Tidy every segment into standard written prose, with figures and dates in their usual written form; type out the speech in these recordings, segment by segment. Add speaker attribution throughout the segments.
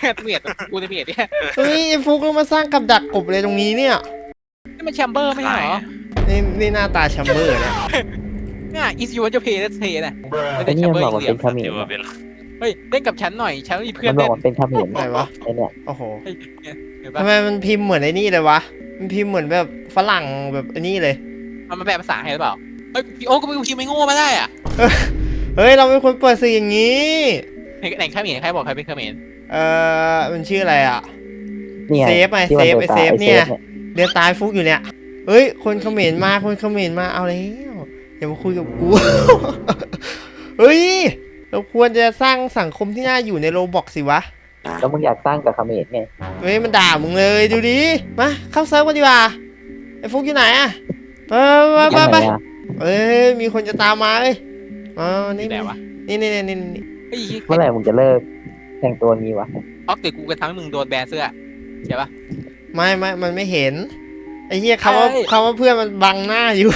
Speaker 1: เมียดกูจะเมียดเนี่ย
Speaker 2: เฮ้ยไอ้ฟุกเรามาสร้างกับดักกบเลยตรงนี้เนี่ย
Speaker 1: นี่มันแชมเบอร์ไม่ใช่เหรอ
Speaker 2: นี่หน้าตาแชมเบอร์เนี่ย
Speaker 1: เนี่ย is you want to pay let's pay นะไม่
Speaker 3: ไอ้
Speaker 1: ได้แช
Speaker 3: นี่
Speaker 1: ม
Speaker 3: มั
Speaker 1: เบ
Speaker 3: น
Speaker 1: อร์
Speaker 3: บอก
Speaker 1: อีก
Speaker 3: มัน
Speaker 1: เหลี่
Speaker 3: เป็
Speaker 1: ย
Speaker 3: น
Speaker 1: ม
Speaker 3: เขมร
Speaker 1: เฮ้ยเล่นกับฉันหน่อยฉันมีเพื่อ
Speaker 3: มัน นบอ
Speaker 1: เล่
Speaker 3: ก
Speaker 1: น
Speaker 3: มันเป็นเขมร
Speaker 2: ไหนวะ
Speaker 3: ไอ้เนี่ย
Speaker 2: โอ้โห
Speaker 1: เฮ้ยเห็นปะ
Speaker 2: ทำไมมันพิมพ์เหมือนไอ้นี่เลยวะมันพิมพ์เหมือนแบบฝรั่งแบบไอ้นี่เลย
Speaker 1: มันแปลภาษาให้หรือเปล่าเฮ้ยพี่โอ้ก็ไม่พิมพ์ไม่โง่มาได้อ่ะ
Speaker 2: เฮ้ยเราไม่ควรเปิดสื่ออย่างนี้
Speaker 1: ไหนใครใครบอกใครเป็นเขมร
Speaker 2: มันชื่ออะไรอ่ะ
Speaker 3: นี่ไง
Speaker 2: เซฟไง
Speaker 3: ที่มัน
Speaker 2: เซฟ
Speaker 3: ดิตา
Speaker 2: เซฟ
Speaker 3: ไอ้
Speaker 2: เนี่ย เดือนตายฟุกอยู่เนี่ย เฮ้ยคนเขมรมาคนเขมรมาเอาแล้วอย่ามาคุยกับกู เฮ้ยเราควรจะสร้างสังคมที่น่าอยู่ในโรบอกสิวะ
Speaker 3: แล้วมึงอยากสร้างกับเขมรไง
Speaker 2: เฮ้ยมันด่ามึงเลยดูดิมาเข้าเซิร์ฟกันดีกว่าไอ้ฟุกอยู่ไหนอะไป
Speaker 3: ยังไงอะ
Speaker 2: เอ้ยมีคนจะตามมาเอ้ยอ๋อนี่
Speaker 1: แต่วะ
Speaker 2: นี่เ
Speaker 1: เฮ้ย
Speaker 3: เมื่อไหร่มึงจะเลิกแต่งตัวงี้วะ
Speaker 1: ออกเดี๋ยวกูจะทำให้มึงโดนแบนเสื้อใช่ปะ
Speaker 2: ไม่มันไม่เห็นไอ้เหี้ยคำว่า
Speaker 1: เอ้ย
Speaker 2: คำว่าเพื่อนมันบังหน้าอยู่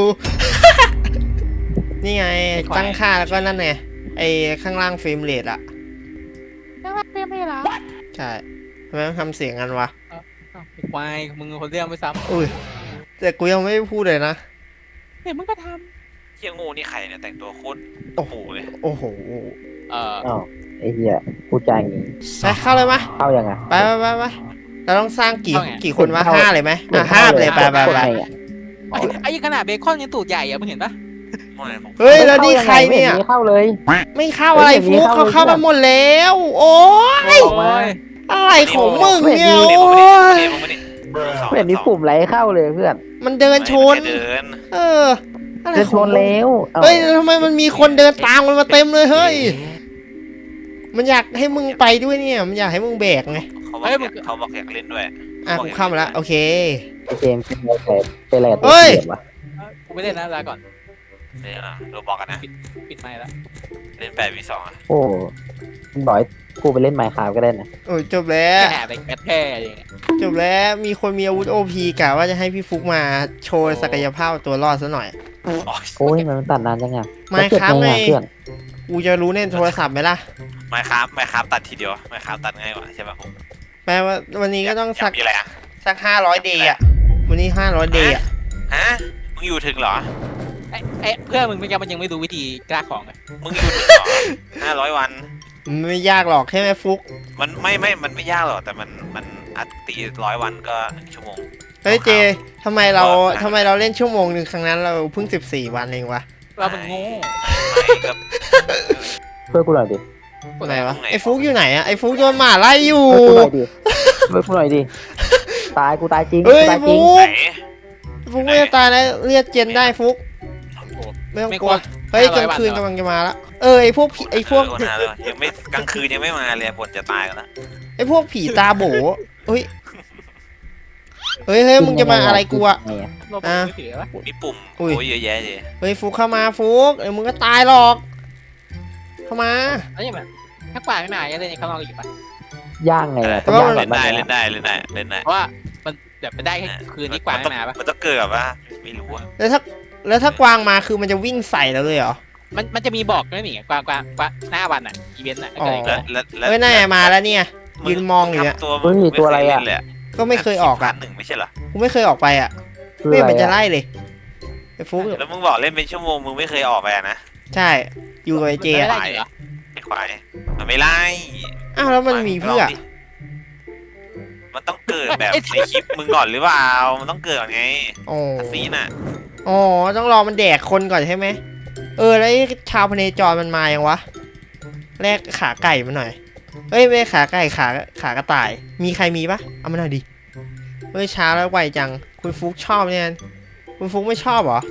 Speaker 2: นี่ไงตั้งค่าแล้วก็นั่นไงไอ้ข้างล่างเฟรมเรทอะ
Speaker 1: ไม่ละ
Speaker 2: ใช่ทำไมต้องทำเสียงกันวะ
Speaker 1: ควายมึงคนเรียกไม่ซ้
Speaker 2: อุ้ยแต่กูยังไม่ได้พูดเลยนะ
Speaker 1: ำเดี๋ยวมึงก็ท
Speaker 4: เฮียงูนี่ใครเนี่ยแต่งตัวโคตร
Speaker 2: โอ้โห
Speaker 4: เลย
Speaker 2: โอ้โห
Speaker 1: ำ
Speaker 3: อ้าวไอ้เหี้ยพูดจาอย่างงี้
Speaker 2: ไปเข้าเลยมะ
Speaker 3: เข้ายังไง
Speaker 2: ไปเราต้องสร้างกี่คนวะ5เลยไหมห้าไปเลยไป
Speaker 3: กดไงอะ
Speaker 1: ไอ้ขนาดเบคอนยังตูดใหญ่อะมึงเห็นปะ
Speaker 4: ไม่ผม
Speaker 2: เฮ้ยแล้วนี่ใครเนี่ย
Speaker 3: ไม่เข้าเลย
Speaker 2: ไม่เข้าอะไร
Speaker 3: เฮ้ย
Speaker 2: ฟุก
Speaker 3: อย่างนี้
Speaker 2: เขา
Speaker 3: เข้าเลย
Speaker 2: เข้ามาหมดแล้ว โอ้ย
Speaker 3: ออกมา
Speaker 2: อะไรของมึงเนี่ย
Speaker 4: มึง
Speaker 2: โอ้
Speaker 4: นี่
Speaker 2: ย
Speaker 4: มึงนี่
Speaker 3: ไม่เห็นมีปุ่มไรเข้าเลยเพื่อน
Speaker 2: มันเดินชน
Speaker 4: เดิน
Speaker 2: เอออะไร
Speaker 3: จะ
Speaker 2: ข
Speaker 3: ช
Speaker 2: อง
Speaker 3: น
Speaker 2: มึง
Speaker 3: แล้วอ้า
Speaker 2: เฮ้ยทำไมมันมีคนเดินตามมันมาเต็มเลยเฮ้ยมันอยากให้มึงไปด้วยเนี่ยมันอยากให้มึงแบกไง
Speaker 4: เขาบอกอยากเล่นด้วย
Speaker 2: อ่ะกูเข้ามาแล้วโอเค
Speaker 3: ไอ้เจมส์เป็นอะไรกับตัว
Speaker 2: เฮ้ย
Speaker 3: เสียวะ
Speaker 1: กูไม่เล่นนะลาก่อน
Speaker 4: เนี่ยเราบอกกันนะ
Speaker 1: ปิดไมค์แล้ว
Speaker 4: เล่น8v2อ่ะ
Speaker 3: โอ้มึงบอกให้กูไปเล่นไมค์คราฟก็ได้นะ
Speaker 2: โอ้ยจบแล้ว
Speaker 1: แค่ไปแคทแค่อย่างเงี้ย
Speaker 2: จบแล้วมีคนมีอาวุธโอพีกะว่าจะให้พี่ฟุกมาโชว์ศักยภาพตัวรอดซะหน่อย
Speaker 3: โอ้ยมันตัดนานจังอะ
Speaker 2: ไม่ครับ
Speaker 3: แล้วเก็
Speaker 2: ไง
Speaker 3: เพื่อน
Speaker 2: กูจะรู้ในโทรศัพท์ไหมล่ะ
Speaker 4: ไม่ครับตัดทีเดียวไม่ครับตัดง่ายกว่าใช่ป่ะผม
Speaker 2: แปลว่าวันนี้ก็ต้องสัก
Speaker 4: มีอะไรอ่ะ
Speaker 2: 500เดย์อ่ะวันนี้500เดย์อ่ะ
Speaker 4: ฮะมึงอยู่ถึงเหรอ
Speaker 1: ไอ้เพื่อนมึงไม่มันยังไม่รู้วิธีกล้าของเลย
Speaker 4: มึงอยู่ถึงเหรอ500 วัน
Speaker 2: มันไม่ยากหรอกใช่ไหมฟุก
Speaker 4: มันมันไม่ยากหรอกแต่มันอัดตี100 วันก็1 ชั่วโมง
Speaker 2: เฮ้ยเจทำไมเราเล่นชั่วโมงหนึ่งครั้งนั้นเราเพิ่ง14 วันเองวะ
Speaker 1: เราเป็นโง่
Speaker 4: ไม่ก็
Speaker 3: ช่วยกูหน่อยดิ
Speaker 2: ไหนวะไอ้ฟุกอยู่ไหนอ่ะไอ้ฟุกโดนหมาไล่อยู่
Speaker 3: ช่วยกูหน่อยดิตายกูตายจริง
Speaker 2: เฮ้ย
Speaker 3: กูตายจริ
Speaker 2: ฟุ
Speaker 3: ง
Speaker 4: ไหน
Speaker 2: กฟุกไม่จะตายแล้วเรียกเจนได้ฟุกไม่ต้องกลัวเฮ้ยกลางคืนกำลังจะมาแล้วไอ้พวกผีไอ้พวก
Speaker 4: ยังไม่กลางคืนยังไม่มาเลยฝนจะตายกันแล้ว
Speaker 2: ไอ้พวกผีตาโบเฮ้ยเฮ้ยมึงจะมาอะไรกูอะ
Speaker 3: ไงอะ
Speaker 1: โลบมือถือปะ
Speaker 4: มีปุ่ม
Speaker 2: อุ้ย
Speaker 4: โอ้ยเยอะแยะเลย
Speaker 2: เฮ้ยฟุกเข้ามาฟุกเดี๋ยวมึงก็ตายหรอก เข้ามา
Speaker 1: แล้วยังไงถ้ากว่าไม่มาจะเล่นในข้างนอกอยู่ปะ
Speaker 3: ย่างไงอะ
Speaker 2: แต่ว่า
Speaker 3: ย่าง
Speaker 2: มั
Speaker 4: เล่น
Speaker 3: แบบ
Speaker 4: ได้
Speaker 3: ไหน
Speaker 4: เล่น
Speaker 3: อะ
Speaker 4: ได้เล่นได้เล่นได้
Speaker 1: เพราะว่ามันแบบไปได้แค่คืนที่กว่าไม่มาปะ
Speaker 4: มันต้องเกิดแบบว่าไม่รู้อะ
Speaker 2: แล้วถ้ากวางมาคือมันจะวิ่งใส่เราเลยเหรอ
Speaker 1: มันจะมีบอกไม่หนีกว่าหน้าวันอ่ะอีเวนต์อ่ะ
Speaker 2: อ๋อ
Speaker 4: แล้ว
Speaker 2: เฮ้ยน่าจะมาแล้วเนี่ย ยืนมองอยู่เนี่ย
Speaker 4: ตัวอะไรอ่ะ
Speaker 2: ก็ไม่เคยออกอ่ะ
Speaker 4: 1ไม่ใช่เหรอ
Speaker 2: กูไม่เคยออกไปอ่ะ
Speaker 3: คือ
Speaker 2: ไม่
Speaker 3: อะไร
Speaker 2: เป็นจะ
Speaker 3: อะ
Speaker 2: ไล่เลยไอ้ฟุก
Speaker 4: แล้วมึงบอกเล่นเป็นชั่วโมงมึงไม่เคยออกไปอะนะ
Speaker 2: ใช่อยู่กับไอ้เจ
Speaker 1: ไม่
Speaker 2: อะ
Speaker 1: ได้จริงเหรอ
Speaker 4: ไอ้ควายมันไม่ไล่
Speaker 2: อ้าวแล้วมันมีเพื่อ
Speaker 4: มันต้องเกิดแบบในคลิปมึงก่อนหรือเปล่ามันต้องเกิดก่อนไง
Speaker 2: อ๋อ
Speaker 4: ซีน่ะ
Speaker 2: อ๋อต้องรอมันแดกคนก่อนใช่ไหมแล้วไอ้ชาวพเนจรมันมายังวะแลกขาไก่มาหน่อยเฮ้ยไม่ใช่ขาไก่ขากระต่าย มีใครมีปะเอามาหน่อยดิเฮ้ยช้าแล้วไวจังคุณฟุกชอบเนี่ยคุณฟุกไม่ชอบเหรอ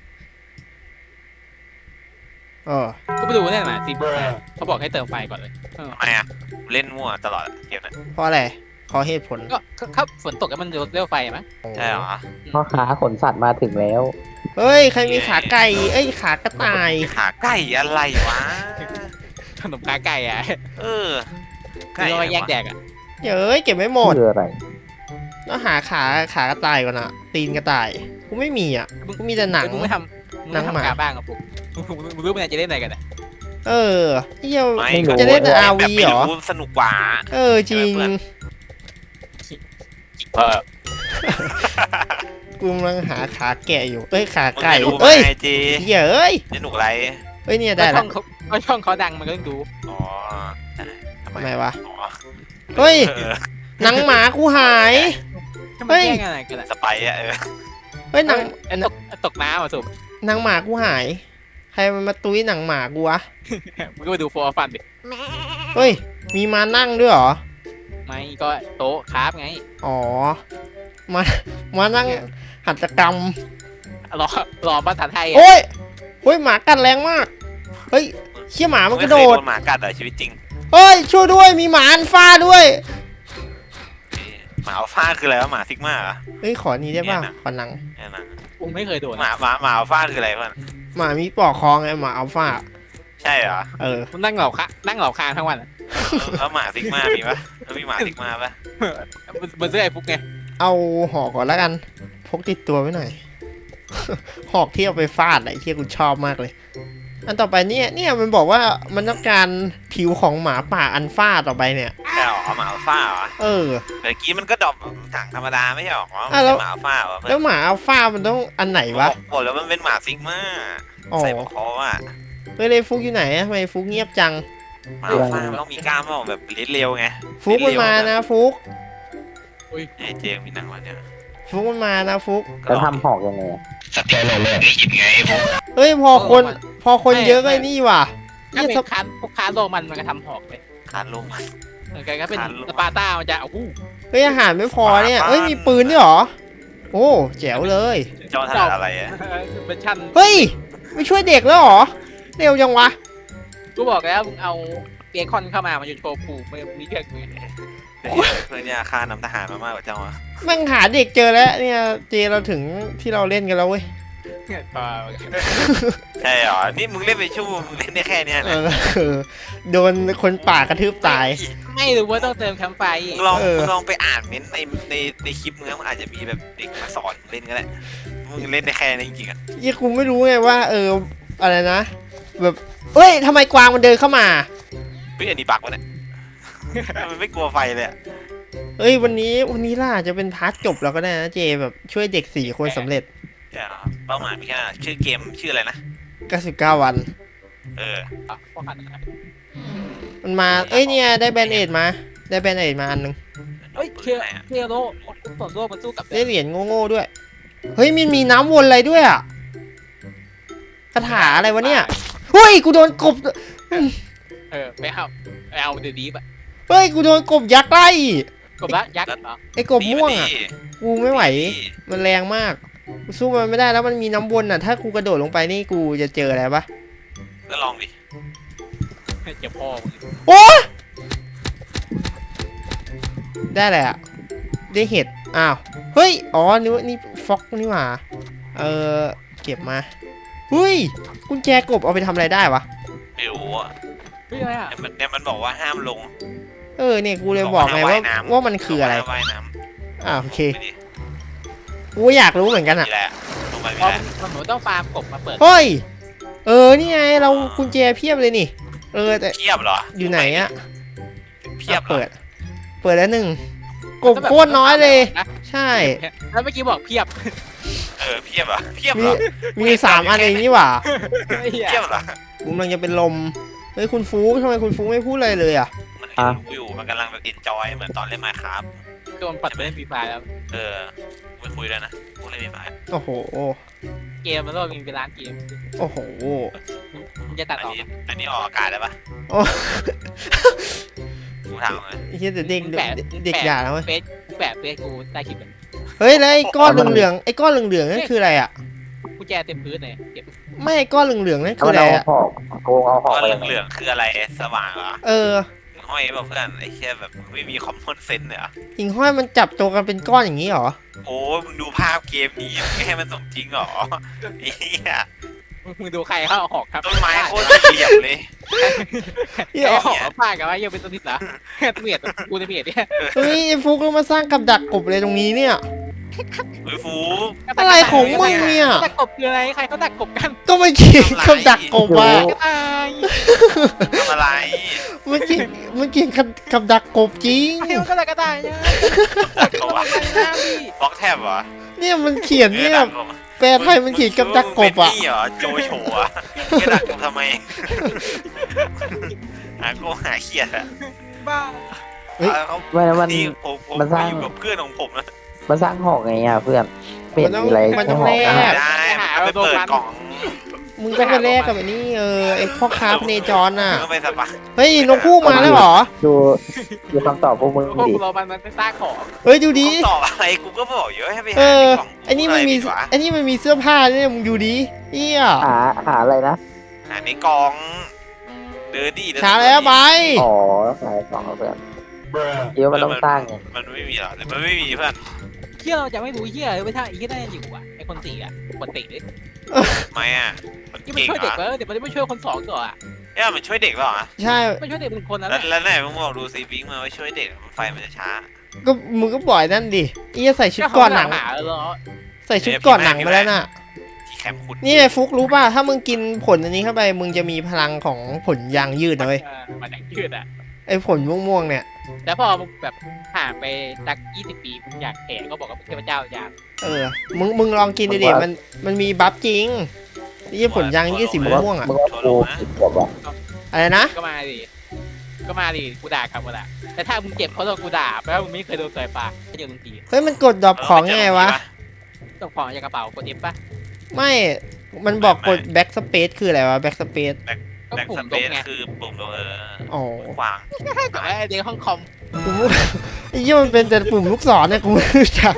Speaker 1: ก็ไปดูเนี่ยมาสิเขาบอกให้เติมไฟก่อนเลย
Speaker 4: ทำไมอะเล่นมั่วตลอดเกมนั้น
Speaker 2: เพราะอะไรขอเหตุผล
Speaker 1: ก็ถ้าฝนตกแล้วมันเร็วไฟมั้ย
Speaker 4: ใช่เหรอ
Speaker 3: พ่อค้าขนสัตว์มาถึงแล้ว
Speaker 2: เฮ้ยใครมีขาไก่ขากระต่าย
Speaker 4: ขาไก่อะไรวะ
Speaker 1: ขนมขาไก่อ่ะ
Speaker 4: เออ
Speaker 1: คือเราแยกแดกอ่ะ
Speaker 2: เก็บไม่หมด
Speaker 3: คืออะไร
Speaker 2: ต้องหาขากระต่ายก่อนอะตีนกระต่ายกูไม่มีอ่ะกูมีแต่หนัง
Speaker 1: มึงไม่ทำขาบ้างอ่ะปุ๊บมึงรู้มันจะเล่นอะไรกันอ่ะ
Speaker 2: เออเหี้ย
Speaker 4: ไม่
Speaker 2: จะเล่นแต่
Speaker 4: แบบ
Speaker 2: RV
Speaker 4: ไม่
Speaker 2: เหรอ
Speaker 4: สนุกกว่า
Speaker 2: เออจริง
Speaker 1: เออ
Speaker 2: กูกำลังหาขาแกะอยู่เอ้ยขา
Speaker 4: มึง
Speaker 2: ไก่
Speaker 4: ไม่รู้
Speaker 2: เอ้ย
Speaker 4: ไงเจ
Speaker 2: เหี้ยเอ้ย
Speaker 4: สนุกอะไร
Speaker 2: เอ้ยเนี่ย
Speaker 1: ได้
Speaker 2: ได้
Speaker 1: ช่
Speaker 2: ละ
Speaker 1: องเขาช่องเขาดังมันก็ต้องดู
Speaker 4: อ๋อได้ทำ
Speaker 2: ทำไมวะ
Speaker 4: อ๋อ
Speaker 2: เฮ้ย
Speaker 4: เออ
Speaker 2: หนังหมากูหาย
Speaker 1: ถ้า
Speaker 2: เฮ้
Speaker 1: มัน
Speaker 2: ย
Speaker 1: แย่งอะไรกันอะ
Speaker 4: สไปร์อะ
Speaker 2: เฮ้ยหนัง
Speaker 1: ไอ้ตกน้ำอ่ะสุ
Speaker 2: หนังหมากูหาย ใครมันมาตุ้ยหนังหมากูวะ
Speaker 1: มึงก็ไปดูโฟร์ฟันดิ
Speaker 2: เฮ้ยมีมานั่งด้วยเหรอ
Speaker 1: ไม่ก็โต๊ะคราฟไง
Speaker 2: อ๋อมานั่งหัตถกรรม
Speaker 1: รอรอภาษาไทยอ่ะ
Speaker 2: โอ้ยเฮ้ยหมากัดแรงมากเฮ้ยเชี่ยหมามันกระโดด
Speaker 4: หมากัดเหรอชีวิตจริง
Speaker 2: เฮ้ยช่วยด้วยมีหมาอันฟ้าด้วย
Speaker 4: หมาอัลฟาคืออะไรวะหมาซิกมาเหรอ
Speaker 2: เฮ้ยขอนี้ได้ป่ะ
Speaker 4: เนี่ยนะ
Speaker 2: ขอหนัง
Speaker 4: เนี่ยนะ
Speaker 1: กูไม่เคยโดน
Speaker 4: หมาอัลฟาคืออะไรเพื่อน
Speaker 2: หมามีปอกคอไงหมาอัลฟา
Speaker 4: ใช่เหรอ
Speaker 2: เออ
Speaker 1: มันนั่งเหล่าคางทั้งวันอะ
Speaker 4: แล้วหมาซิกมามีปะแล้วมีหมาซิกมาปะ
Speaker 1: มันซื้อไอ้ฟุกไง
Speaker 2: เอาหอกก่อนแล้วกัน พกติดตัวไว้หน่อย หอกที่เอาไปฟาดอะไอ้เที่ยกูชอบมากเลย อันต่อไปเนี่ยมันบอกว่ามันต้องการผิวของหมาป่าอันฟาต่อไปเนี่ย
Speaker 4: ใช่เหรอหมาอัลฟาเหรอ
Speaker 2: เออ
Speaker 4: เมื่อกี้มันก็ดรอปถังธรรมดาไม่ใช่หรอมัน
Speaker 2: อ่ะแล้ว
Speaker 4: เป็นหมาอัลฟาเหรอเพื่
Speaker 2: แล้
Speaker 4: อ
Speaker 2: วน หมาอัลฟามันต้องอันไหนวะ
Speaker 4: บอกแล้วมันเป็นหมาซิกมา
Speaker 2: อ๋อ
Speaker 4: ใส่หัวคอว่ะ
Speaker 2: เฮ้ยเลยฟุกอยู่ไหนอะทำไมฟุกเงียบจัง
Speaker 4: หมาอัลฟามันต้องมีกล้ามบ้างแบบลิ้นเร็วไง
Speaker 2: ฟุกมันมานะฟุก
Speaker 4: ไอ้เจมมีหนังวันเนี่ย
Speaker 2: ฟุกมันมานะฟุก
Speaker 3: จะทำหอกยังไง
Speaker 4: สักแค่เลยได้ยินไงพวก
Speaker 2: เฮ้ยพอคนเยอะก็ไอ้นี่ว่ะ
Speaker 1: ถ้า
Speaker 2: เนี่ย
Speaker 1: เป็นคานพวกคานโรมันก็ทำหอกเลย
Speaker 4: คานลง
Speaker 1: เหมือนกันก็เป็น
Speaker 4: คานโรมัน
Speaker 1: สปาร์ต้ามันจะโอ้โห
Speaker 2: เฮ้ยอาหารไม่พอเนี่ยเฮ้ยมีปืนด้วยเหรอ โอ้แจ๋วเลย
Speaker 4: เจ้าถนัดอะไรอะ
Speaker 1: เป็นชั้น
Speaker 2: เฮ้ยไม่ช่วยเด็กแล้วเหรอเร็วจังวะ
Speaker 1: กูบอกแล้วมึงเอาเบคอนเข้ามามันจะโชว์ผูกมันมีเรื่องมือ
Speaker 4: เพื่อนเนี่ยฆ่านำทหารมามากกว่าเจ้าอะ
Speaker 2: แม่งหาเด็กเจอแล้วเนี่ยเจเราถึงที่เราเล่นกันแล้วเว้ย
Speaker 4: ใช่เหรอนี่มึงเล่นไปชั่วโมงมึงเล่นได้แค่เนี้ย
Speaker 2: เอ
Speaker 4: นะ
Speaker 2: อโดนคนป่ากระทืบตาย
Speaker 1: ไม่รู้ว่าต้องเติมแคมป์ไฟ
Speaker 4: มึงลอง
Speaker 2: เออ
Speaker 4: มึงลองไปอ่านเม้นต์ในคลิปมึงมันอาจจะมีแบบเด็กมาสอนมึงเล่นก็ได้มึงเล่นได้แค่นี้จริงๆอะ
Speaker 2: ยี่กูไม่รู้ไงว่าอะไรนะแบบเอ้ยทำไมกวางมันเดินเข้ามา
Speaker 4: เฮ้ยอันนี้บักวะเนี่ยมันไม่กลัวไฟเลยอะ
Speaker 2: เอ้ยวันนี้ล่ะจะเป็นพาร์ทจบแล้วก็ได้นะเจแบบช่วยเด็ก4 คนสำเร็จ
Speaker 4: ใช่เหรอเป้าหมายมีแค่นั้นชื่อเกมชื่ออะไรนะ
Speaker 2: 99 วัน
Speaker 4: เออ
Speaker 1: พวกหัน
Speaker 2: มันมาเอ้ยเนี่ยได้แบนเอดมาได้แบนเอดมาอันนึง
Speaker 1: เฮ้ยเชียร์โลส่วนโลมันสู้กับ
Speaker 2: ได้เหรียญโง่ๆด้วยเฮ้ยมันมีน้ำวนอะไรด้วยอ่ะคาถาอะไรวะเนี่ยเฮ้ยกูโดนกบ
Speaker 1: ไม่เอาเดือดดีป่ะ
Speaker 2: เฮ้ยกูโดนกบยักษ์ไล่
Speaker 1: กบละยักษ์เหรอ
Speaker 2: ไอ้กบม่วงอ่ะกูไม่ไหวมันแรงมากกูสู้มันไม่ได้แล้วมันมีน้ำวนอ่ะถ้ากูกระโดดลงไปนี่กูจะเจออะไรปะ
Speaker 4: ก็ลองดิ
Speaker 1: เจ็บพ่อ
Speaker 2: โอ้ได้แหละไรได้เห็ดอ้าวเฮ้ยอ๋อนี่ฟ็อกนี่หว่าเก็บมาเฮ้ยกุญแจกบเอาไปทำอะไรได้วะ
Speaker 4: ไม่รู้อะ
Speaker 1: เฮ้ยอะไรอ่ะ
Speaker 4: เนี่ยมันบอกว่าห้ามลง
Speaker 2: เนี่ยกูเลยบอกไงว่ามันคืออะไร
Speaker 4: ว่ายน้
Speaker 2: โอเค
Speaker 4: ำไม่ดี
Speaker 2: กูอยากรู้เหมือนกันอ่ะ
Speaker 4: นี่แหละลงไปไม่
Speaker 1: พอ
Speaker 4: ได้
Speaker 1: มันหนูต้องฟาร์มกบมาเปิด
Speaker 2: เฮ้ยนี่ไงเรากุญแจเพียบเลยนี่แต่
Speaker 4: เพียบเหรอ
Speaker 2: อยู่ไหนอะ
Speaker 4: เพียบเหรอ
Speaker 2: เปิดแล้วกบโคตรน้อยเลย ใช่
Speaker 1: แล้วเมื่อกี้บอกเพียบ
Speaker 4: เพียบเหรอเพียบเหรอ
Speaker 2: มี3 อันเองนี่หว่า
Speaker 4: เพียบเหรอ
Speaker 2: กูกำลังจะเป็นลมเฮ้ยคุณฟูทำไมคุณฟูไม่พูดอะไรเลยอ่ะ
Speaker 4: มันเห็นรู้อยู่มันกำลังแบบอินจอยเหมือนตอนเล่นมาครับ
Speaker 1: โดนปัดไปเล่นฟรีไฟแล้ว
Speaker 4: ไม่คุยแล้วนะกูเล่นไม่มา
Speaker 2: โอ้โห
Speaker 1: เกมมันโลกมีเป็นล้านเกม
Speaker 2: โอ้โห
Speaker 1: มันจะตัดออก
Speaker 4: อันนี้ออกอากาศได้ปะ
Speaker 2: โอ้
Speaker 4: กูถามเลย
Speaker 2: ไอ้เหี้ยแต่เด็กอย่าแล้วเว้ย
Speaker 1: แปะเฟซกูใต้คลิปเลย
Speaker 2: เฮ้ยแล้วไอ้ก้อนเหลืองๆไอ้ก้อนเหลืองๆนั่นคืออะไรอ่ะ
Speaker 1: กูแจเต็มพื้นเลยเก็บ
Speaker 2: ไม่ไอ้ก้อนเหลืองๆนั่นคือ
Speaker 3: เอา
Speaker 2: อะไร
Speaker 3: เอา
Speaker 2: อ่ะ
Speaker 3: หอกโกงเอาหอก
Speaker 4: ก็
Speaker 3: ไป
Speaker 4: เหลืองๆคืออะไรสว่างเหรอ
Speaker 2: เออ
Speaker 4: ห้อยป่ะเพื่อนไอ้แค่แบบไม่มีคอมมอนเซนส์เหรอ
Speaker 2: หิงห้อยมันจับตัวกันเป็นก้อนอย่างนี้เหรอ
Speaker 4: โอ้มึงดูภาพเกมนี้ไม่ให้มันสมจริงเหรอไอ้เหี้ย
Speaker 1: มึงดูใครเข้าหอกครับ
Speaker 4: ต้นไม้โคตรละเอียดเลย
Speaker 1: ไอ้หอกพลาดกันว่ายังเป็นต้นทิศเหรอเมียดกูจะเมียดเนี่ย
Speaker 2: เฮ้ยไอ้ฟุกเรามาสร้างกับดักกบเลยตรงนี้เนี่ย
Speaker 4: เฮ้ยฟู
Speaker 2: อะไรของมึงเนี่ย
Speaker 1: ดักกบคืออะไรใครเขาดักกบกัน
Speaker 2: ก็ไม่กินกับดักกบอ่ะ
Speaker 1: กระต่าย
Speaker 4: ทำอะไร
Speaker 2: มันกินกับดักกบจริง
Speaker 1: ใครเขาดักกระต่ายเนี่ย
Speaker 4: เขาวะ
Speaker 1: น้ำดิ
Speaker 4: บล็อกแทบเหรอ
Speaker 2: เนี่ยมันเขียนเนี่ยแปลไทยมันเขียนกับดักกบอ่ะ
Speaker 4: เป็นนี่เหรอโจโฉอะแกดักกบทำไมหาโกหาเครียดอะ
Speaker 1: บ้า
Speaker 2: เฮ้ย
Speaker 4: เขา
Speaker 3: ไม่แล้วมัน
Speaker 4: นี่ผม
Speaker 3: มันสร้าง
Speaker 4: อยู่กับเพื่อนของผมนะ
Speaker 3: มันสร้างหอกไงอ่ะเพื่อนไม่เห็นมีอะไร
Speaker 2: มันต้อง
Speaker 3: แค่หอก
Speaker 2: แลก
Speaker 3: นะ
Speaker 4: ได้มันไปเปิดกล่อง
Speaker 2: มึงต้องไปแลกกับไอ้นี่ไอ้พ่อค้าพเนจรน่ะ
Speaker 4: มึงก็ไปสปา
Speaker 2: เฮ้ยนกคู่มาแล้วเหรอ
Speaker 3: ดูคำตอบพวกมึง
Speaker 1: พวก
Speaker 3: ดิ
Speaker 1: เรามันสร้างของ
Speaker 2: เฮ้ยดูดิ
Speaker 4: ตอบอะไรกูก็บอกอยู่ให้ไป
Speaker 2: เอ
Speaker 4: หา
Speaker 2: อ
Speaker 4: ในกล่อง
Speaker 2: ไอ้นี่มันมี
Speaker 4: อะไรดีวะ
Speaker 2: ไอ้นี่มันมีเสื้อผ้าเนี่ยมึงดูดิเอี้ย
Speaker 3: หาอะไรนะ
Speaker 4: หาในกล่องเดินดิเดิน
Speaker 2: ช้าแล้วไป
Speaker 3: อ๋อขายของเพื่อนเดี๋ยวมันต้องสร้างไง
Speaker 4: มันไม่มีหรอกมันไม่มีเพื่อน
Speaker 1: เที่ยเราจะไม่รู้เที่ยไม่ใช่ไอ้ที่น่าจะอยู่อ่ะไอ้คนสี่อ่ะคนติเลย
Speaker 4: ไม่อะมัน
Speaker 1: ที่มัน
Speaker 4: เก่ง
Speaker 1: ช่วย
Speaker 4: เหร
Speaker 1: เด็ก
Speaker 4: อ
Speaker 1: เดี๋ยวมันจะไม่ช่วยคนสองต่ออ่ะ
Speaker 4: เนี่ยมันช่วยเด็กเหรอ
Speaker 2: ใช่
Speaker 1: ไม่ช่วยเด็กเป็นคนนั้น
Speaker 4: แล้ว
Speaker 1: แหละ
Speaker 4: แล้วไหนมึงบอกดูซีบิงมาไว้ช่วยเด็กไฟมันจะช้า
Speaker 2: ก็มึงก็บ่อยนั่นดิเอี้ยใส่ชุดก่อนหนัง
Speaker 1: หาแล้ว
Speaker 2: ใส่ชุดก่อนหนังมาแล้วน่ะ
Speaker 4: ที่แคมป์คุณ
Speaker 2: นี่ไอ้ฟุกรู้ป่ะ ถ้ามึงกินผลอันนี้เข้าไป มึงจะมีพลังของผลยางยืดนะเว้ย
Speaker 1: มันอย่างยืดอ่ะ
Speaker 2: ไอ้ผลม่วงๆเนี่ย
Speaker 1: แล้วพอแบบห่างไปสัก20 ปีอยากแก่ก็บอกกับเทพเจ้าอยาก
Speaker 2: มึงลองกินดิเด็มันมีบัฟจริงนี่ผลยางยืดสีม่วงๆอ่ะ
Speaker 3: มึงว่ากูผิดแบบว่า
Speaker 2: อะไรนะ
Speaker 1: ก็มาดิกูด่ากลับมาละแต่ถ้ามึงเจ็บเพราะโดนกูด่าแปลว่ามึงไม่เคยโดนต่อยปากก็เจอมึงที
Speaker 2: เฮ้ย มันกดดรอปของไงวะ
Speaker 1: ต้องของจากกระเป๋ากด F ป่ะ
Speaker 2: ไม่ มันบอกกด back space คืออะไรวะ back space
Speaker 1: ก็
Speaker 4: แบ็ก
Speaker 1: ปุ่
Speaker 4: ส
Speaker 1: ม
Speaker 4: เป
Speaker 1: ลบ
Speaker 4: ซ
Speaker 1: ไง
Speaker 4: คือปุ่มลง
Speaker 2: อ๋อ
Speaker 4: ขวาง
Speaker 1: กับไอ้เด็กห้องคอม
Speaker 2: กูไอ้เหี้ยมันเป็นแต่ปุ่มลูกศรเนี่ยกูไม่รู้จัก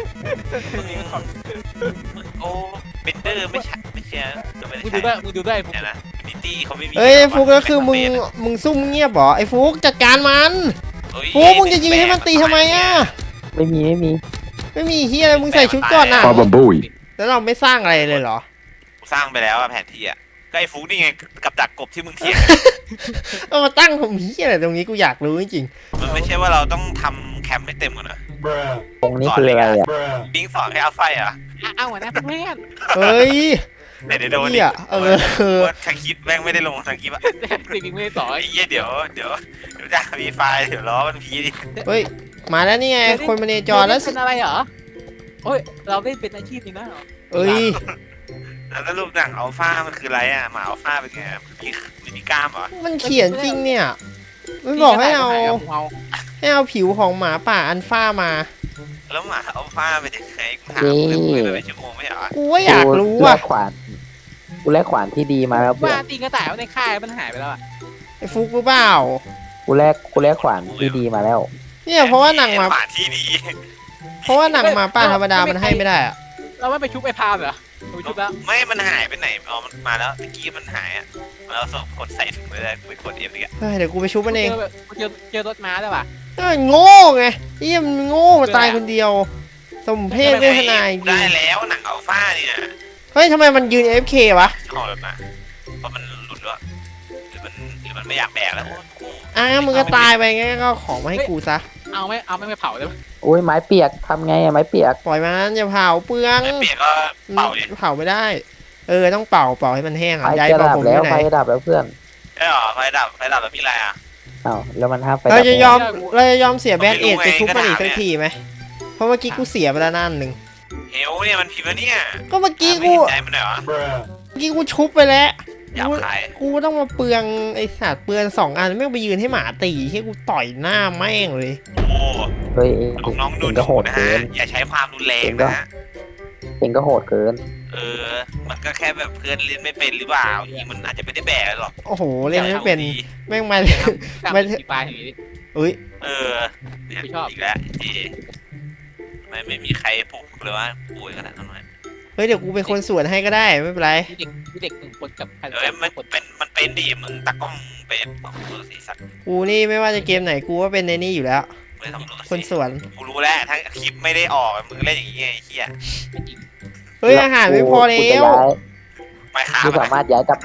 Speaker 4: โอ้เบนเดอร์ไม่ใช่ไม่ใช่ไม่
Speaker 1: มึง
Speaker 4: ใช่
Speaker 1: ดูด้วยมึงดูด้วย
Speaker 4: เนี่ยนะมิตี้เขาไม่มี
Speaker 2: เฮ้ยฟุกแล้วคือมึงซุ่มเงียบเหรอ ไอ้ฟุกจัดการมัน ฟุกมึงจะยิงให้มันตีทำไมอ่ะ
Speaker 3: ไม่มี
Speaker 2: ไม่มีเฮียอะไรมึงใส่ชุดก่อนน่ะ
Speaker 5: Baba Booey.
Speaker 2: แล้วเราไม่สร้างอะไรเลยเหรอ
Speaker 4: สร้างไปแล้วอะแผนที่อะก็ไอ้ฟุกนี่ไงกับดักกบที่มึงเถียง
Speaker 2: เอามาตั้งผมเฮียอะไรตรงนี้กูอยากรู้จริง
Speaker 4: มันไม่ใช่ว่าเราต้องทำแคมป์ให้เต็มก่อนนะ
Speaker 3: ตรงนี้คืออะไรอ่ะ
Speaker 4: บิงสอนให้เอาไฟเหรอ่ะ
Speaker 1: เอาหัวหน้าเพื่อน
Speaker 2: ๆ เฮ้ย
Speaker 4: เดี๋ยวโดน
Speaker 2: เฮีย
Speaker 4: ว่าทางคลิปแม่งไม่ได้ลงทางคลิปอะ
Speaker 1: สิบิงไม่ได้สอน
Speaker 4: ไอ้เหี้ยเดี๋ยวจะมีไฟล์เดี๋ยวล้อมันพีดิ
Speaker 2: เฮ้ย มาแล้วนี่ไง คนมาเนจรแล้ว
Speaker 1: เป็นอะไรเหรอโอ้ยเราเล่นเป็นอาชีพนี้นะ
Speaker 2: เอ้ย
Speaker 4: แล้วสรุปหนังอัลฟามันคืออะไรอะหมาอัลฟาเป็นไงมันมีกล้ามเหรอ
Speaker 2: มันเขียนจริงเนี่ย มันบอกให้เอาผิวของหมาป่าอันฟ้ามา
Speaker 4: แล้วหมาอัลฟาเป็นยังไงกูถามเลยคุยไปชั่วโมงไม่เหรอ
Speaker 2: กูว่าอยากรู้
Speaker 3: แล
Speaker 2: อ่ะ
Speaker 3: กขวานกูแลกขวานที่ดีมาแล้วเพื่อ
Speaker 1: ว่าน ตีกระต่ายในค่ายมันหายไปแล้วอ่ะ
Speaker 2: ไอ้ฟุกรู้เปล่า
Speaker 3: กูแลกขวานที่ดีมาแล้ว
Speaker 2: เนี่ยเพราะว่าหนังหมา
Speaker 4: หมาที่ดี
Speaker 2: เพราะว่าหนังหมาป่าธรรมดามันให้ไม่ได้อะ
Speaker 1: เราไม่ไปชุบไอ้พามเหรอไปชุบแล้ว
Speaker 4: ไม่มันหายไปไหนอ๋อมันมาแล้วตะกี้มันหายอ่ะเราส่งกดใส่ถุงไปเลยไปกดเอฟอีกอะ
Speaker 2: เฮ้ยเดี๋ยวกูไปชุบมันเอง
Speaker 1: เจอรถม้าได้ป่ะ
Speaker 2: เอ้ยโง่ไงเอี้ยมันโง่มาตายคนเดียว สมเพศเวทนาจริง
Speaker 4: ได้แล้วหนังอัลฟาเนี่ย
Speaker 2: เฮ้ยทำไมมันยืน AFK วะ
Speaker 4: ชอบแบบนั้นเพราะมันหลุดแล้วหรือมันไม่อยากแบกแล้ว
Speaker 2: มึงก็ตายไปงั้นก็ของมาให้กูซะ
Speaker 1: เอาไม่ไปเผาได้ป่ะ
Speaker 3: โอ้ยไม้เปียกทำไงอะไม้เปียก
Speaker 2: ปล่อยมันอย่าเผาเปลือง
Speaker 4: ไม่เปียกก็เป่าดิ
Speaker 2: เผาไม่ได้ ต้องเป่าให้มันแห้ง
Speaker 3: ไฟ
Speaker 2: อ่ะย้าย
Speaker 3: จะ
Speaker 2: เป่า
Speaker 3: ดับ
Speaker 2: ผม
Speaker 3: แล้
Speaker 2: ที่
Speaker 3: ว
Speaker 2: ไหน
Speaker 3: ไฟดับแล้วเพื่อน
Speaker 4: ไอ้หรอไฟดับแล้วมีอะไรอ่ะ
Speaker 3: อ้าวแล้วมันห้ามไฟดั
Speaker 2: เรา
Speaker 3: บ
Speaker 2: จะยอมเสียแบน
Speaker 4: ไม่
Speaker 2: เอ
Speaker 4: รู้
Speaker 2: ดไปชุบมันอีก
Speaker 4: ไงก็
Speaker 2: สัก
Speaker 4: ถาม
Speaker 2: ทีไหมเพราะเมื่อกี้กูเสียไปแล้วนั่นหนึ่ง
Speaker 4: เฮลเนี่ยมันพิมพ์แล้วเนี่ย
Speaker 2: ก็เมื่อกี้
Speaker 4: ไม่
Speaker 2: กู
Speaker 4: เห็นใจมันหน่อยวะ
Speaker 2: ชุบไปแล้ว
Speaker 4: อยากขาย
Speaker 2: กูต้องมาเปลืองไอ้สัตว์เปลือง2 อันไม่งไปยืนให้หมาตีให้กูต่อยหน้าแม่งเลย
Speaker 4: โอ้
Speaker 3: เฮ้ย
Speaker 4: น้องๆดู
Speaker 3: เองก็โหด
Speaker 4: นะ
Speaker 3: เกิ
Speaker 4: ฮะ
Speaker 3: น
Speaker 4: อย่าใช้ความรุนแรงนะฮะ
Speaker 3: เองก็โหดเกิน
Speaker 4: มันก็แค่แบบเพื่อนเล่นไม่เป็นหรือเปล่ายิงมันอาจจะไม่ได้แบกหรอก
Speaker 2: โอ้โหเล่นไม่เป็นแม่งมา
Speaker 1: ไม่ตีปลาอย่างนี้
Speaker 2: อุ้ย
Speaker 4: เนี่ย
Speaker 1: ไม่ชอบ
Speaker 4: อีกแล้วจีไม่มีใครปลุกเลยว่าป่วยขนาดนั้นเลย
Speaker 2: เฮ้ยเดี๋ยวกูเป็นคนสวนให้ก็ได้ไม่เป็นไร
Speaker 1: มีเด็ก1 คนกับ
Speaker 4: มันเป็นดิมึงตากล้องเป็นของตัวสีสัน
Speaker 2: กูนี่ไม่ว่าจะเกมไหนกูก็เป็นในนี่อยู่แล้ว
Speaker 4: ไม่ทำรถ
Speaker 2: คนสวน
Speaker 4: กูรู้แล้วถ้าคลิปไม่ได้ออกมึงเล่นอย่างนี้ไงไอ้เหี้ย
Speaker 2: เฮ้ยอาหารไม่พอแล้ว
Speaker 4: ไม่ฆ่า
Speaker 3: กู
Speaker 4: มัน
Speaker 3: สามารถย้ายกับดัก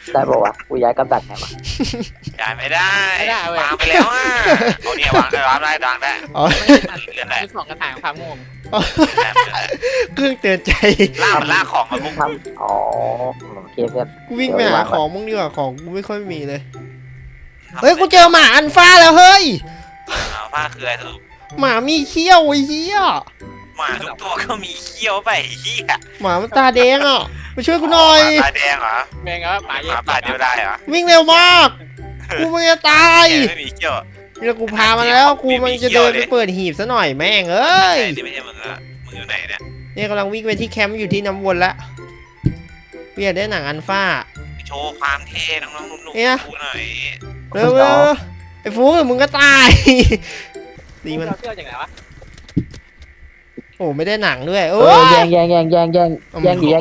Speaker 3: ได้บอกว่ากูย้ายกับดักไงวะ
Speaker 4: ย้ายไม่ได้วางไปแล้วอ่ะเอาเนี่ยวางได้วางได้
Speaker 2: อ๋อ
Speaker 4: เลื่อนได้
Speaker 1: คือสองกระถางความโง่
Speaker 2: เครื่องเตือนใจ
Speaker 4: ลากของมาปุ๊บ
Speaker 3: ทำอ๋อโอเคเพื่อน
Speaker 2: กูวิ่งไปหาของมึงดีกว่าของกูไม่ค่อยมีเลย เฮ้ยกูเจอหมาอันฟ้าแล้วเฮ้ย
Speaker 4: ผ้าคืออะไรสรุป
Speaker 2: หมามีเขี้ยวไอ้เหี้ย
Speaker 4: หมาทุกตัวก็มีเขี้ยวไปเหี้ย
Speaker 2: หมามันตาแดงอ่ะมาช่วยกูหน่อย
Speaker 4: ตาแดงเหรอ
Speaker 1: แม่งก็ป่า
Speaker 4: ห
Speaker 1: เย็
Speaker 4: มาป่าเดียวได้เหรอ
Speaker 2: วิ่งเร็วมาก กูมันจะตาย
Speaker 4: ไม่มีเขี้ยว
Speaker 2: นี่แล้วกูพามาแล้ว กูมันจะเดินไปเปิดหีบซะหน่อยแม่งเอ้ย
Speaker 4: นี่ไม่ใช่มึงอะมึงอยู่ไหนเนี่ย
Speaker 2: เนี่ยกำลังวิ่งไปที่แคมป์อยู่ที่น้ำวนละกูอยากได้หนังอันฟ้า
Speaker 4: โชว์ความเท่น้องๆนุ่ม
Speaker 2: เนี่ย
Speaker 4: ๆดูหน่อย
Speaker 2: เร็วๆไอ้ฟูมึงก็ตายตีมัน
Speaker 1: เราเที่ยวจากไหนวะ
Speaker 2: โอ้ไม่ได้หนังด้วย
Speaker 3: เอ
Speaker 2: โอ้
Speaker 3: อย แย่งดีแย่งดี
Speaker 4: แย่ง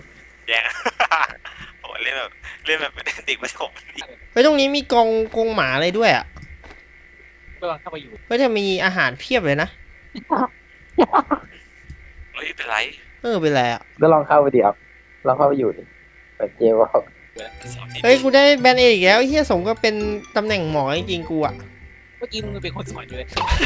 Speaker 4: โอ้เล่นแบบเป็นเด็กประถม
Speaker 2: เฮ้ยตรงนี้มีกรงหมาอะไรด้วยอ่ะ
Speaker 1: ก็ลองเข้าไปอยู่
Speaker 2: เฮ้ยจะมีอาหารเพียบเลยนะ
Speaker 4: เฮ้ยเป็นไร
Speaker 2: เป็นไรอ่ะ
Speaker 3: ก็ลองเข้าไปดิครับลองเข้าไปอยู่ดิเปิดเจลว่า
Speaker 2: เฮ้ยกูได้แบนเออีกแล้วไอ้เฮียสมก็เป็นตำแหน่งหมอจริงๆกูอ่ะ
Speaker 1: เมื่อกี้มึงเป็นคนสอนอยู่เลย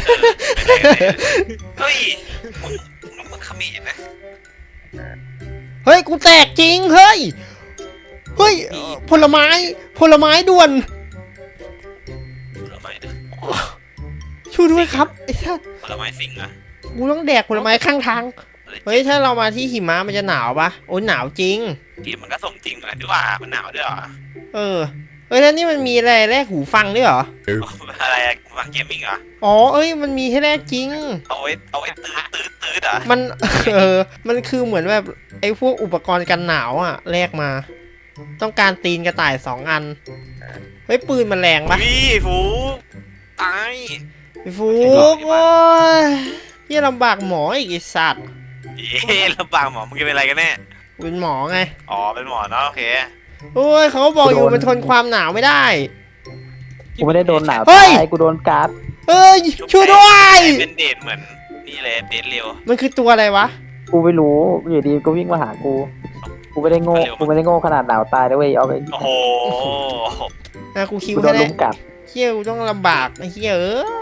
Speaker 4: เฮ้ยมึงขมิ้นนะ
Speaker 2: เฮ้ยกูแตกจริงเฮ้ยผลไม้ด่วน
Speaker 4: ผลไม้นะ
Speaker 2: ช่วยด้วยครับไอ้สัส
Speaker 4: ผลไม้สิงอะ
Speaker 2: กูต้องแดกผลไม้ข้างทางเฮ้ยถ้าเรามาที่หิมะมันจะหนาวปะโอ้ยหนาวจริง
Speaker 4: ทีมันก็สมจริงเหมือนกันด้วยว่ามันหนาวด้วยเหรอ
Speaker 2: เฮ้ยแล้วนี่มันมีอะไรแลกหูฟังด้วยเหรอ
Speaker 4: อะไรอะฟังเกมมิ่งเหรอ
Speaker 2: อ๋อมันมีให้แลกจริง
Speaker 4: เอาไว้ตื้อเหรอ
Speaker 2: มัน มันคือเหมือนแบบไอ้พวกอุปกรณ์กันหนาวอ่ะแลกมา ต้องการตีนกระต่าย2 อัน เฮ้ยปืนมันแรงปะ
Speaker 4: พี่ฟูตาย
Speaker 2: ไอ้ฟูกโอ้ยเหี้ยลำบากหมออีกไอ้สัตว์
Speaker 4: เย้ลำบากหมอมึงจะเป็นอะไรกันแน่
Speaker 2: กูเป็นหมอไง
Speaker 4: อ๋อเป็นหมอเนาะโอเค
Speaker 2: โอ้ยเขาบอกอยู่มันทนความหนาวไม่ได้
Speaker 3: กูไม่ได้โดนหนาว
Speaker 2: เฮ้
Speaker 3: ตาย ยกูโดนการ์ด
Speaker 2: เอ้ยช่วยด้วย
Speaker 4: เป็นเดทเหมือนนี่เลยเดทเร็ว
Speaker 2: มันคือตัวอะไรวะ
Speaker 3: กูไม่รู้อยู่ดีก็วิ่งมาหากูไม่ได้โง่ขนาดหนาวตายนะเว้ยเอาไป
Speaker 4: โอ้โห
Speaker 2: กูคิว
Speaker 3: กูโด
Speaker 2: ให้
Speaker 3: น
Speaker 2: ได้
Speaker 3: ลุมกัด
Speaker 2: เฮียกูต้องลำบากไอ้เฮีย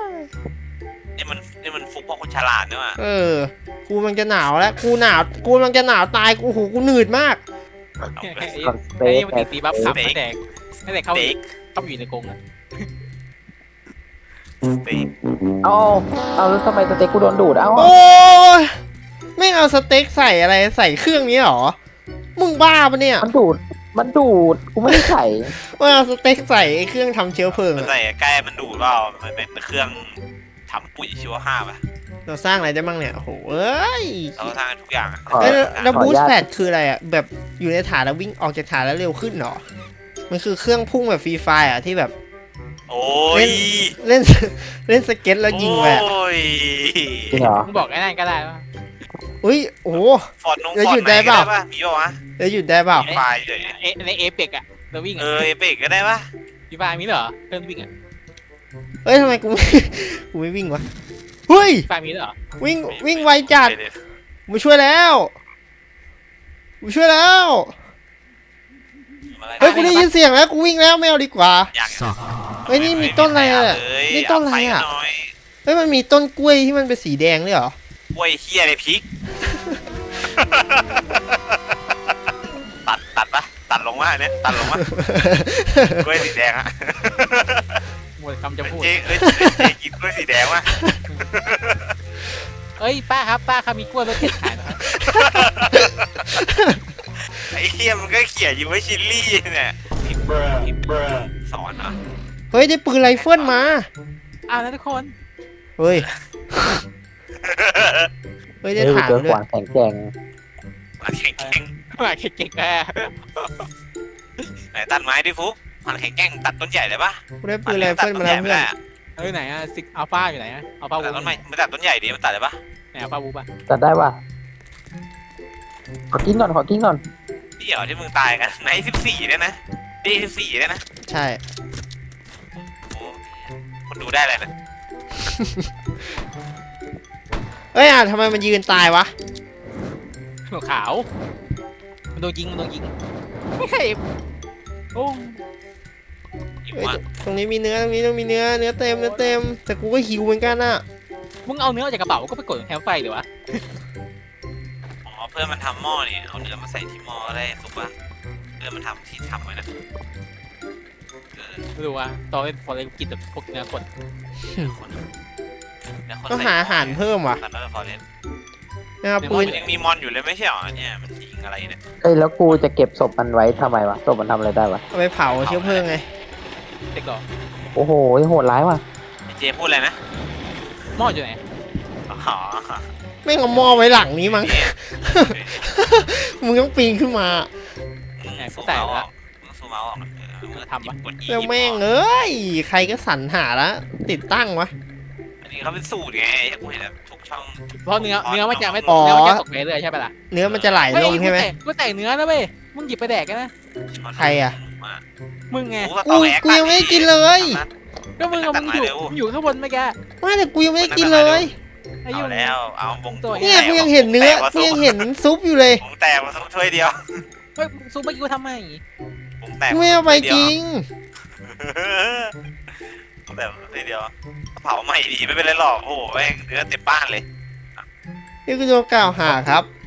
Speaker 4: นี่มันฟุกเพราะคนฉลาดเนี่ยว่ะ
Speaker 2: กูมันจะหนาวแล้วกูมันจะหนาวตายกูกูหนืดมาก
Speaker 3: ก่อนสเต็
Speaker 1: ไอ้
Speaker 3: ก
Speaker 1: มันตีบัฟขับตั้งแต่เข้าอยู่ในกรงอะ
Speaker 3: เอาแล้วทำไมสเต็กกูโดนดูดเอ้า
Speaker 2: โอ้ยไม่เอาสเต็กใส่อะไรใส่เครื่องนี้หรอมึงบ้าปะเนี่ย
Speaker 3: มันดูดกูไม่ได้ใส่
Speaker 2: ไม่เอาสเต็กใส่ไอ้เครื่องทำเชื้อเพลิง
Speaker 4: มัน
Speaker 2: อะ
Speaker 4: ใส่ใกล้มันดูดเปล่ามันเป็นเครื่องทำปุ๋ยชีวภาพอะ
Speaker 2: เราสร้างอะไรได้บ้างเนี่ยโอ้โหเอ้ย
Speaker 4: เราสร้างทุกอย่างอะ
Speaker 3: ขอ
Speaker 2: แล้ว
Speaker 3: ขอ
Speaker 2: บู
Speaker 3: อ
Speaker 2: ส
Speaker 3: นุญาต
Speaker 2: ต์แพดคืออะไรอ่ะแบบอยู่ในฐานแล้ววิ่งออกจากฐานแล้วเร็วขึ้นเหรอมันคือเครื่องพุ่งแบบฟรีไฟอ่ะที่แบบ
Speaker 4: โอ้ย
Speaker 2: เล่น เล่นสเก็ตแล้วยิงไปอะ
Speaker 4: โอ้ย
Speaker 3: จริงเหรอ
Speaker 1: มึงบอกไอ้นั่นก็ได้ว่า
Speaker 2: อุ้ยโอ้โห
Speaker 4: ฟอนต์
Speaker 2: แล้ว
Speaker 4: ฟอน
Speaker 2: หยุด
Speaker 4: ต์
Speaker 2: ได้
Speaker 4: ไหน
Speaker 2: เป
Speaker 4: ก็
Speaker 2: ล่า
Speaker 4: ได้ป่ะมีป่ะวะ
Speaker 2: แล้วหยุดได้เปล่า
Speaker 4: ไฟเลย
Speaker 1: ในเอเปกอะเราวิ่งอะ
Speaker 4: เอเบกก็ได้ป่ะ
Speaker 1: พี่ฟ้ามีเหรอเพื่อนวิ่งอะ
Speaker 2: เอ้ยทำไมกูไม่ กูไม่วิ่งวะเฮ้ย
Speaker 1: พี่ฟ้ามีเหรอ
Speaker 2: วิ่งไวจัดมาช่วยแล้วมาช่วยแล้ว เฮ้ยกูได้ยินเสียงแล้วกูวิ่งแล้วไม่เอาดีกว่า
Speaker 4: อยาก
Speaker 2: เฮ้ยนี่มีต้นอะไรอะนี่ต้นอะไรอะ เฮ้ยมันมีต้นกล้วยที่มันเป็นสีแดงด้วยเหรอ
Speaker 4: กล้วยเฮียในพริก ตัดปะตัดลงมาเนี่ยตัดลงมากล้วยสีแดงอะ
Speaker 1: หมดคำจะพูด
Speaker 4: เจ๊กินกล้วยสีแดงวะ
Speaker 1: เอ้ยป้าครับมีกล้วยรสเผ็ดขายนะครับ
Speaker 4: ไอ้เฮียมันก็เขี่ยอยู่ไว้ชิลลี่เนี่ยสอนเหรอ
Speaker 2: เฮ้ยได้ปืนไรเฟิลมา
Speaker 1: อ้าวนะทุกคน
Speaker 2: เฮ้ยได้
Speaker 3: เฮ้ยกู
Speaker 2: ฐาน
Speaker 3: เจอ
Speaker 2: ด้
Speaker 3: ข
Speaker 2: วย
Speaker 3: วานแข็งแกร่ง
Speaker 4: มันแข็ง
Speaker 1: มาเก่งๆแม่
Speaker 4: ไหนตัดไม้ดิฟุกมันแข็งแกร่งตัดต้นใหญ่เลยปะ
Speaker 2: กูได้ปืนไรเฟิลมาแล้วเพื่อน
Speaker 1: เอ้ยไหนอะซิกอัลฟาอยู่ไหนอะอัลฟาวู
Speaker 4: ตัดต้นไม้มันตัดต้นใหญ่ดิมันตัดเลยปะ
Speaker 1: ไหนอัลฟาวูปะ
Speaker 3: จัดได้ป่ะขอกินก่อน
Speaker 4: นี่เหรอที่มึงตายกันใน14เนี่ยนะดี14เนี่ยนะ
Speaker 2: ใช่
Speaker 4: โอ้คนดูได้เลยนะ
Speaker 2: เอ้ยทำไมมันยืนตายวะ
Speaker 1: หัวขาวมันโดนยิงไม่ใช่โอ้
Speaker 4: หิว
Speaker 2: เฮ้ย
Speaker 4: อ่ะ
Speaker 2: ตรงนี้มีเนื้อตรงนี้ต้องมีเนื้อเต็มแต่กูก็หิวเหมือนกันอ่ะ
Speaker 1: มึงเอาเนื้อออกจากกระเป๋าก็ไปกดแคมป์ไฟเดี๋ยววะ
Speaker 4: อ๋อเพื่อนมันทำหม้อนี่เอาเนื้อมาใส่ที่หม้อได้สุกปะเพื่อนมันทำที่ทำไว้นะเออ
Speaker 1: ไม่รู้ว่าตอนเล่นฟอร์เรนกินแบบพวกเนื้อคน
Speaker 4: เนื้อคนเนื้อคน
Speaker 2: ต้องหาอาหารเพิ่มว่ะ
Speaker 4: ตอนนั้นพอเล่น
Speaker 2: นะครับปื
Speaker 4: มัน นยังมีมอนอยู่เลยไม่ใช่หรอเนี่ยมันยิงอะไรเนี่ย
Speaker 3: เอ้ยแล้วกูจะเก็บศพมันไว้ทำไมวะศพมันทำอะไรได้วะ
Speaker 2: เอาไปเผาเชื้อเพลิงไง
Speaker 1: เด็กก่อน
Speaker 3: โอ้โหโหดร้ายว่ะ
Speaker 4: ไอ้เจพูดอะไรนะ
Speaker 1: หม้ออยู่ไหน
Speaker 4: อ๋อ
Speaker 2: แม่งเอาหม้อไว้หลังนี้มั้ง
Speaker 4: เอ๊ะ
Speaker 2: มึงต้องปีนขึ้นมา
Speaker 4: สู้เมาส์ออกมึงสู้เมาส์ออกกด E
Speaker 2: แล้วแม่งเอ้ยใครก็สรรหาละติดตั้งวะ
Speaker 4: อันนี้เขาเป็นสูตรไงกูเห็นแบบทุกช่อง
Speaker 1: เพราะเนื้อมันจะไม่
Speaker 2: อ๋อ
Speaker 1: เนื้อมันจะตกไปเรื่อยใช่ปะล่ะ
Speaker 2: เนื้อมันจะไหลลงใช่ไหม
Speaker 1: กูใส่เนื้อนะเว้ยมึงหยิบไปแดกกันนะ
Speaker 2: ใครอะ
Speaker 1: มึงไง
Speaker 2: กูยังไม่ได้กินเลย
Speaker 1: ก็มึงเอามึงอยู่ข้างบนเมื่อกี้
Speaker 2: ไม่แต่กูยังไม่ได้กินเลย
Speaker 1: ไอ้
Speaker 4: เอา
Speaker 1: ยุ่ง
Speaker 4: แล้วเอาวง
Speaker 2: เนี่ยกูยังเห็นเนื้อกูยังเห็นซุปอยู่เลย
Speaker 4: วงแตกมาสักถ้วยเดียว
Speaker 1: เฮ้ยซุปเมื่อกี้กูทำไม
Speaker 4: วงแตก
Speaker 2: กูไม่เอาไปจริง
Speaker 4: แต่ถ้วยเดียวเผาใหม่ดีไม่เป็นไรหรอกโอ้โหแม่งเนื้อเต็มบ้านเลย
Speaker 2: นี่คือโดนกล่าวหาครับ